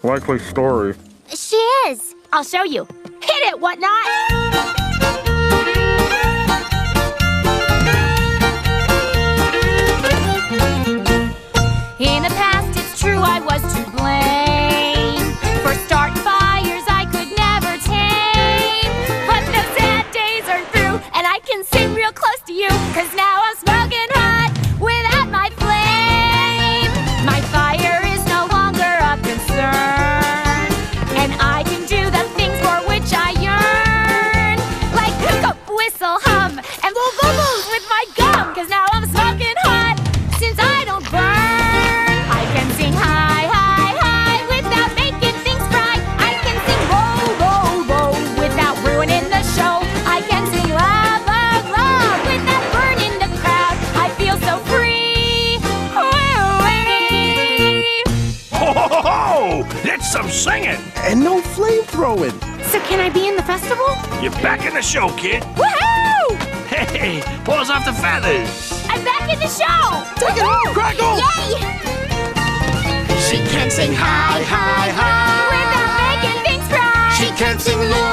Likely story. She is. I'll show you. Hit it, Whatnot! In the past, it's true I was to blame for starting fires I could never tame. But those sad days are through, and I can sit real close to you, 'cause now I'm smoking hot without my flame. My fire is no longer a concern, and I can do the things for which I yearn, like pick up, whistle, hum, and blow bubbles with my gum, 'cause now I'm smoking hot since I don't burn. I can sing high, high, high without making things fry. I can sing low, low, low without ruining the show. I can sing loud, loud, loud without burning the crowd. I feel so free. Woo-wee. Ho, ho, ho, ho! That's some singing! And no flame throwing. So can I be in the festival? You're back in the show, kid. Woohoo! Hey, paws off the feathers. I'm back in the show! Take it home, Crackle! Yay! She can sing high, high, high. Without making things fry. She can sing low,